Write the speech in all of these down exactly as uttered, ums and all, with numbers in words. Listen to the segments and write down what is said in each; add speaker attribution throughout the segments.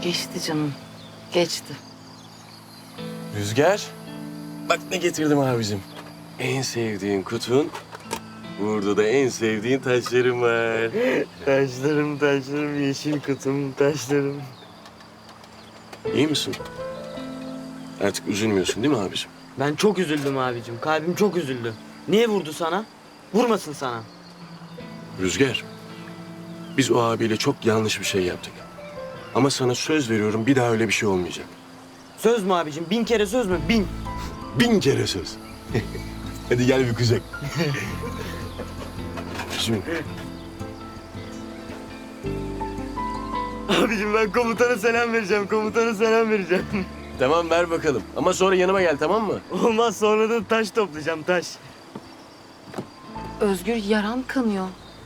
Speaker 1: Geçti canım. Geçti.
Speaker 2: Rüzgar. Bak ne getirdim abicim. En sevdiğin kutun. Burada da en sevdiğin taşlarım var.
Speaker 3: Taşlarım taşlarım yeşil kutum taşlarım.
Speaker 2: İyi misin? Artık üzülmüyorsun değil mi abicim?
Speaker 3: Ben çok üzüldüm abicim. Kalbim çok üzüldü. Niye vurdu sana? Vurmasın sana.
Speaker 2: Rüzgar. Biz o abiyle çok yanlış bir şey yaptık. Ama sana söz veriyorum bir daha öyle bir şey olmayacak.
Speaker 3: Söz mü abicim? Bin kere söz mü? Bin.
Speaker 2: Bin kere söz. Hadi gel bir kucak. Şimdi
Speaker 3: Abicim ben komutana selam vereceğim. Komutana selam vereceğim.
Speaker 2: tamam ver bakalım. Ama sonra yanıma gel tamam mı?
Speaker 3: Olmaz sonra da taş toplayacağım taş.
Speaker 1: Özgür yaran kanıyor.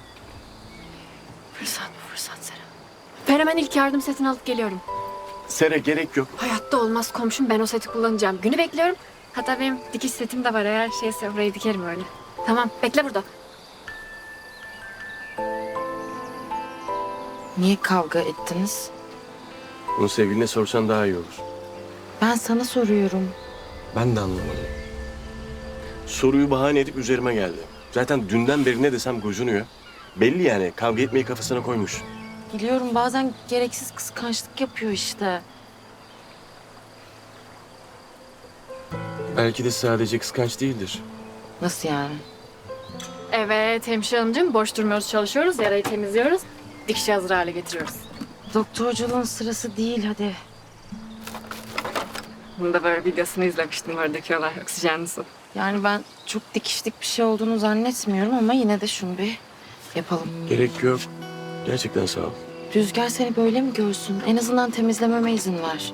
Speaker 1: Fırsat bu fırsat Sera.
Speaker 4: Ben hemen ilk yardım setini alıp geliyorum.
Speaker 2: Sere gerek yok.
Speaker 4: Hayatta olmaz komşum, ben o seti kullanacağım. Günü bekliyorum. Hatta benim dikiş setim de var, eğer şeyse orayı dikerim öyle. Tamam, bekle burada.
Speaker 1: Niye kavga ettiniz?
Speaker 2: Bunu sevgiline sorsan daha iyi olur.
Speaker 1: Ben sana soruyorum.
Speaker 2: Ben de anlamadım. Soruyu bahane edip üzerime geldi. Zaten dünden beri ne desem gocunuyor. Belli yani kavga etmeyi kafasına koymuş.
Speaker 1: Biliyorum bazen gereksiz kıskançlık yapıyor işte.
Speaker 2: Belki de sadece kıskanç değildir.
Speaker 1: Nasıl yani?
Speaker 4: Evet hemşire hanımcığım, boş durmuyoruz, çalışıyoruz. Yarayı temizliyoruz. Dikişi hazır hale getiriyoruz.
Speaker 1: Doktorculuğun sırası değil hadi.
Speaker 4: Bunu da böyle videosunu izlemiştim. Böyle döküyorlar oksijenli su.
Speaker 1: Yani ben çok dikişlik bir şey olduğunu zannetmiyorum ama yine de şunu bir yapalım.
Speaker 2: Gerek yok. Gerçekten sağ ol.
Speaker 1: Rüzgar seni böyle mi görsün? En azından temizlememe izin ver.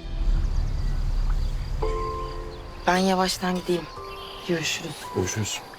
Speaker 1: Ben yavaştan gideyim. Görüşürüz.
Speaker 2: Görüşürüz.